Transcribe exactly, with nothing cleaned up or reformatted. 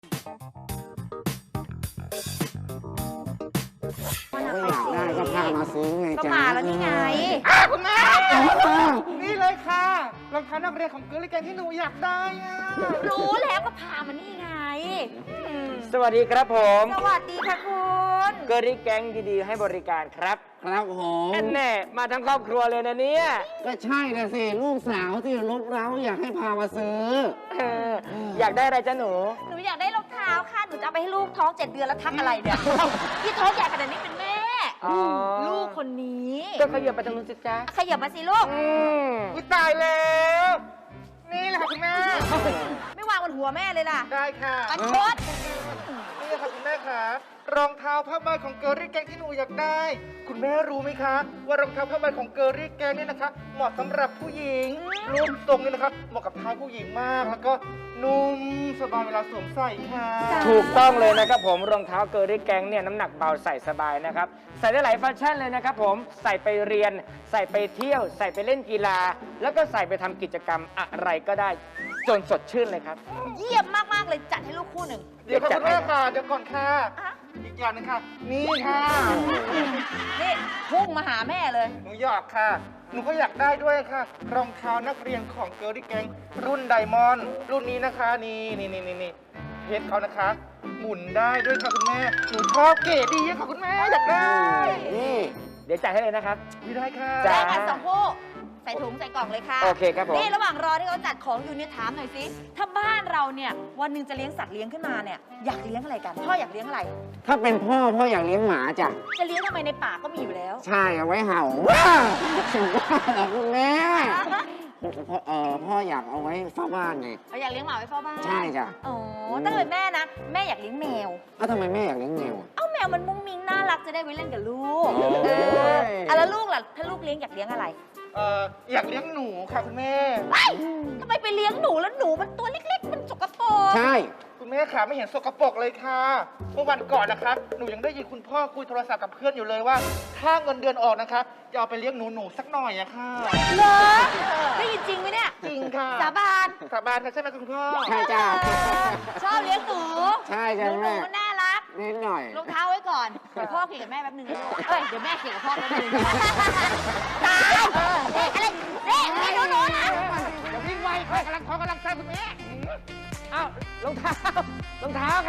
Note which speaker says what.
Speaker 1: อยากได้ก็พามาซื้อไง
Speaker 2: ก็
Speaker 1: จ๊ะ
Speaker 2: มาแล้วนี่ไง
Speaker 3: อ้าคุณแม่นี่เลยค่ะรองเท้านักเรียนของเกอร์ลแกนที่หนูอยากได้อะ
Speaker 2: รู้แล้วก็พามานี่ไงอืม
Speaker 4: สวัสดีครับผม
Speaker 2: สวัสดีค่ะคุณ
Speaker 4: เกอริแก๊งดีๆให้บริการครับ
Speaker 1: ครับผม
Speaker 4: แอนแน่มาทั้งครอบครัวเลยนะเนี่ย
Speaker 1: ก็ใช่นะสิลูกสาวที่รบเร้าอยากให้พามาซื้อ
Speaker 4: เอออยากได้อะไรจ้ะหนู
Speaker 2: หนูอยากได้รองเท้าค่ะ หนูจะเอาไปให้ลูกท้องเจ็ดเดือนแล้วทักอะไรเนี่ยที่ท้องใหญ่ขนาดนี้เป็นแม่
Speaker 4: อ๋อ
Speaker 2: ลูกคนนี้
Speaker 4: ก็ขยับไปทางนู้นสิจ๊ะ
Speaker 2: ขยับมาสิลูก
Speaker 4: อืม
Speaker 3: อุ๊ยตายแล้วนี่แหละค่ะคุณแม่
Speaker 2: ไม่วางบนหัวแม่เลยล่ะ
Speaker 3: ได้ค่ะ
Speaker 2: ปันชด
Speaker 3: นี่ค่ะคุณแม่ค่ะรองเท้าผ้าใบของเกอร์ลแกนที่หนูอยากได้ คุณแม่รู้ไหมคะ ว่ารองเท้าผ้าใบของเกอร์ลแกนเนี่ยนะคะ เหมาะสำหรับผู้หญิงรูปทรงเนี่ยนะคะเหมาะกับเท้าผู้หญิงมาก แล้วก็นุ่มสบายเวลาสวมใส่ค่ะ
Speaker 4: ถูกต้องเลยนะครับผมรองเท้าเกอริแก๊งเนี่ยน้ำหนักเบาใส่สบายนะครับใส่ได้หลายฟังก์ชันเลยนะครับผมใส่ไปเรียน ใส่ไปเที่ยว ใส่ไปเล่นกีฬา แล้วก็ใส่ไปทำกิจกรรมอะไรก็ได้จนสดชื่นเลยครับ
Speaker 2: เยี่ยมมากๆเลยจัดให้ลูกคู่หนึ่ง
Speaker 3: เดี๋ยวค่ะคุณแม่ค่ะ เดี๋ยวก่อนค่ะ
Speaker 2: อ่ะ
Speaker 3: อีกอย่างหนึงค่ะ นี่ค่ะ
Speaker 2: นี่พุ่งมาหาแม่เลย
Speaker 3: หนูอยากค่ะ หนูก็อยากได้ด้วยค่ะ รองเท้านักเรียนของเกอร์ลแกงรุ่นไดมอนด์รุ่นนี้นะคะ นี่นี่นี่นี่นี่เพชรเขานะคะ หมุนได้ด้วยค่ะคุณแม่ หนูชอบเก๋ดีอะค่ะคุณแม่อยากได้
Speaker 1: นี่
Speaker 4: เดี๋ยวจ่ายให้เลยนะครับ
Speaker 3: ไม่ได้ค่ะ
Speaker 4: จ้ะ
Speaker 2: ได้กันสองคู่ใส่ถุงใส่กล่องเลยค่ะ
Speaker 4: โอเคครับผม
Speaker 2: นี่ระหว่างรอที่เขาจัดของอยู่เนี่ยถามหน่อยสิ ถ้าบ้านเราเนี่ยวันหนึ่งจะเลี้ยงสัตว์เลี้ยงขึ้นมาเนี่ยอยากเลี้ยงอะไรกัน พ่ออยากเลี้ยงอะไร
Speaker 1: ถ้าเป็นพ่อพ่ออยากเลี้ยงหมาจ้ะ
Speaker 2: จะเลี้ยงทำไมในป่าก็มีอยู่แล้ว
Speaker 1: ใช่เอาไว้เห่าว้าสุดยอดเหรอคุณแม่พ่อเออพ่ออยากเอาไว้เฝ้าบ้านไง
Speaker 2: เราอยากเลี้ยงหมาไว้เฝ้าบ้าน
Speaker 1: ใช่จ้ะ
Speaker 2: อ๋อถ้าเป็นแม่นะ แม่อยากเลี้ยงแมว
Speaker 1: เอ้าทำไมแม่อยากเลี้ยงแมวอะ
Speaker 2: เอ้าแมวมันมุ้งมิ้งน่ารักจะได้ไว้เล่นกับลูก
Speaker 1: โอ้ย
Speaker 2: เอออ่ะแล้วลูกล่ะ ถ้าลูกเลี้ยงอยากเลี้ยงอะไร
Speaker 3: เอ่ออยากเลี้ยงหนูค่ะคุณแม่
Speaker 2: เอ้ยทำไมไปเลี้ยงหนูแล้วหนูมันตัวเล็กๆ มันสกปรก
Speaker 1: ใช่
Speaker 3: คุณแม่ขาไม่เห็นสกปรกเลยค่ะ เมื่อวันก่อนนะคะ หนูยังได้ยินคุณพ่อคุยโทรศัพท์กับเพื่อนอยู่เลยว่า ถ้าเงินเดือนออกนะคะ จะเอาไปเลี้ยงหนูหนูๆสักหน่อยอะค่ะ
Speaker 2: เหรอได้ยินจริงไหมเนี่ย
Speaker 3: จริงค่ะ
Speaker 2: สาบาน
Speaker 3: สาบานค่ะใช่ไหมคุณพ่อ
Speaker 1: ใช่จ้ะ
Speaker 2: เออชอบเลี้ยงหนู
Speaker 1: ใช่
Speaker 2: ห
Speaker 1: จ้ะ
Speaker 2: นูหนู
Speaker 1: แม่
Speaker 2: มันน่ารัก
Speaker 1: นิดหน่อย
Speaker 2: รองเท้าไว้ก่อน เดี๋ยวพ่อเขี่ยกับแม่แป๊บนึงนะลูกเอ้ย เดี๋ยวแม่เขี่ยกับพ่อแป๊บนึงตายเด็กอะไรเด็กไม่รู้หนูนะ
Speaker 3: อย่าวิ่งไวค่ะกำลังท้องกำลังแซ่บคุณแม่
Speaker 4: อ้าวรองเท้ารองเท้า